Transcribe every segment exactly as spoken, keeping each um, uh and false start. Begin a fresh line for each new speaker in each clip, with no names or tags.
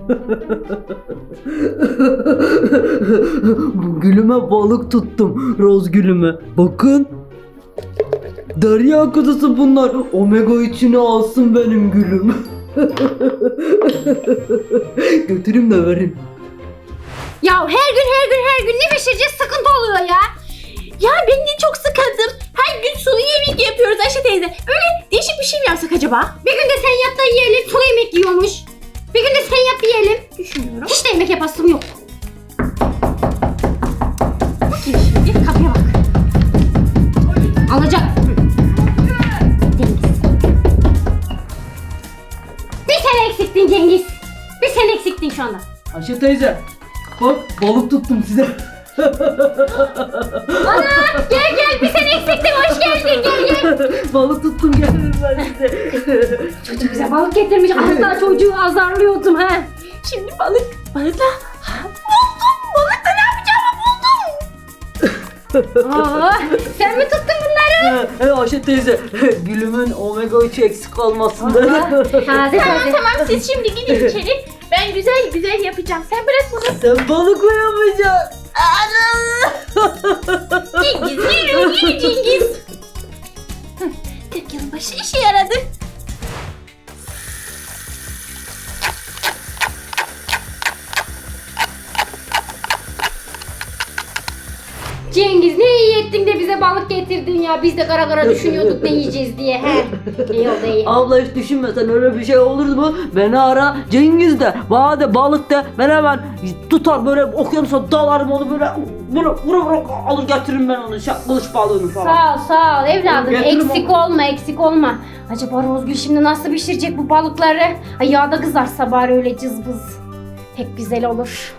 Gülüme balık tuttum. Roz gülüme. Bakın. Derya kuzusu bunlar. Omega içine alsın benim gülüm. Götürüm de verin.
Ya her gün her gün her gün ne pişireceğiz, sıkıntı oluyor ya.
Ya ben de çok sıkıldım. Her gün sulu yemek yapıyoruz Ayşe teyze. Böyle değişik bir şey mi yapsak acaba?
Bir gün de sen yap da yiyelim, sulu yemek yiyormuş. Bir gün de sen yap yiyelim.
Düşünüyorum.
Hiç de yemek yapasım yok.
Bakayım şimdi kapıya bak.
Alacak. Cengiz. Bir sen eksiktin Cengiz. Bir sen eksiktin şu anda.
Ayşe teyze. Bak balık tuttum size.
Ana gel gel, bir sen eksiktin, hoş geldin, gel gel.
Balık tuttum geldim ben size.
Çocuk bize balık getirmiş, az daha çocuğu azarlıyordum ha.
Şimdi balık. Balıkla. Ha, buldum. Balıkla ne yapacağımı buldum.
Aa, sen mi tuttun bunları?
He Ayşe teyze. Gülümün omega üçü eksik olmasın da.
Taze
Tamam
taze.
tamam siz şimdi gidin içeri. Ben güzel güzel yapacağım. Sen bırak bunu.
Sen balıkla yapacaksın.
Cengiz yürü yürü Cengiz. Hı, kırk yılın başı işe yaradı.
Cengiz ne iyi ettin de bize balık getirdin ya. Biz de kara kara düşünüyorduk ne yiyeceğiz diye. He. İyi oldu iyi.
Abla hiç düşünme, sen öyle bir şey olur mu? Beni ara, Cengiz de, bana de balık de, ben hemen tutar böyle okyanusa dalarım onu böyle böyle vura vura alır getiririm ben onu, şak, kılıç balığını falan.
Sağ ol sağ ol evladım.
Getiririm
Eksik olma eksik olma. Acaba Rozgül şimdi nasıl pişirecek bu balıkları? Ay yağda kızarsa bari öyle cızbız. Pek güzel olur.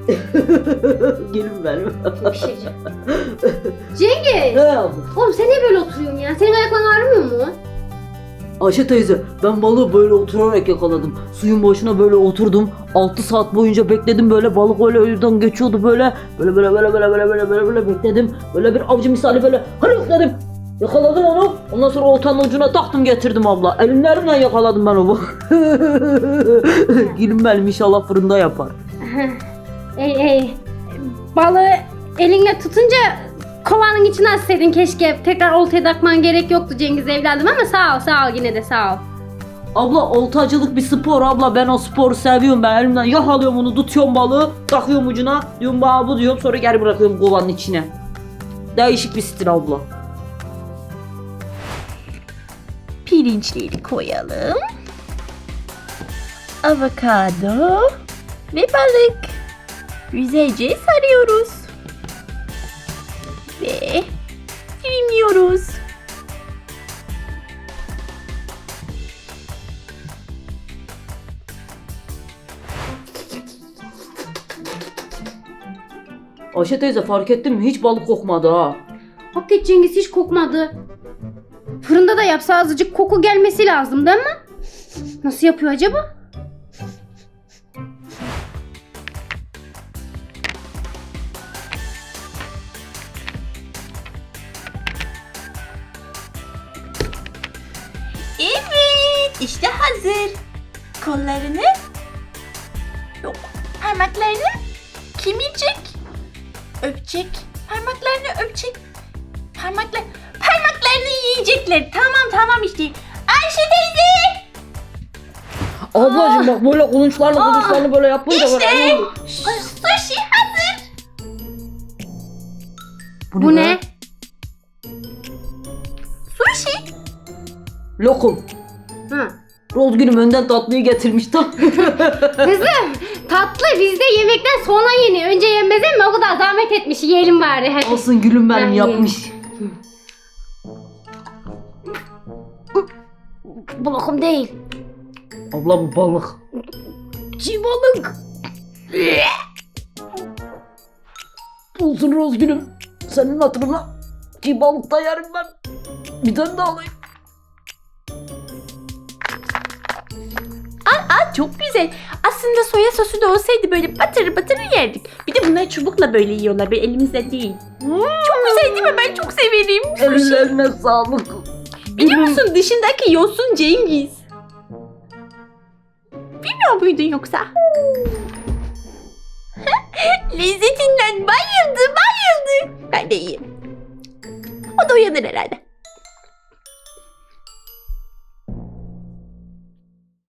Gelin benim.
Kim pişirecek? Cengiz!
He abla.
Oğlum sen niye böyle oturuyorsun ya? Senin ayakların ağrımıyor mu?
Ayşe teyze, ben balığı böyle oturarak yakaladım. Suyun başına böyle oturdum. altı saat boyunca bekledim böyle, balık öyle önümden geçiyordu böyle. Böyle böyle böyle böyle böyle böyle böyle, böyle bekledim. Böyle bir avcı misali böyle hani dedim. Yakaladım onu. Ondan sonra oltanın ucuna taktım getirdim abla. Elimlerimle yakaladım ben onu. Gülüm benim inşallah fırında yapar.
Ey ey. Balığı elinle tutunca kovanın içine atsaydın keşke. Tekrar oltaya takman gerek yoktu Cengiz evladım ama sağ ol sağ ol yine de sağ ol.
Abla oltacılık bir spor abla, ben o sporu seviyorum, ben elimden yakalıyorum onu, tutuyorum balığı, takıyorum ucuna, diyorum bana bu diyorum, sonra geri bırakıyorum kovanın içine. Değişik bir stil abla.
Pirinçleri koyalım. Avokado ve balık. Güzelce sarıyoruz. Ve dilimliyoruz.
Ayşe teyze fark ettin mi? Hiç balık kokmadı ha.
Hakikaten Cengiz hiç kokmadı. Fırında da yapsa azıcık koku gelmesi lazım değil mi? Nasıl yapıyor acaba?
Evet, işte hazır. Kollarını yok, parmaklarını kimirecek, öpecek, parmaklarını öpecek, parmaklar, parmaklarını yiyecekler. Tamam tamam işte. Ayşe teyze.
Ablacığım bak böyle kulunçlarla
Aa,
kulunçlarla böyle yapınca
işte.
böyle.
Sushi hazır.
Bu ne?
Sushi.
Lokum.
Ha.
Rozgül'üm önden tatlıyı getirmiş tam.
Kızım tatlı bizde yemekten sonra yeniyor. Önce yenmez mi? O kadar zahmet etmiş. Yiyelim bari hadi.
Olsun gülüm benim
Ben
yapmış.
Bu lokum değil.
Abla bu balık.
Çiğ balık.
Olsun Rozgül'üm. Senin hatırına çiğ balık da yerim ben. Bir tane daha alayım.
Aa çok güzel. Aslında soya sosu da olsaydı böyle batırı batırı yerdik. Bir de bunları çubukla böyle yiyorlar. Böyle elimizde değil. Çok güzel değil mi? Ben çok severim. Sushi.
Ellerine sağlık.
Biliyor musun dışındaki yosun Cengiz? Bilmiyor Uyumuyor muydun yoksa? Lezzetinden bayıldı bayıldı. Ben de iyiyim. O da uyanır herhalde.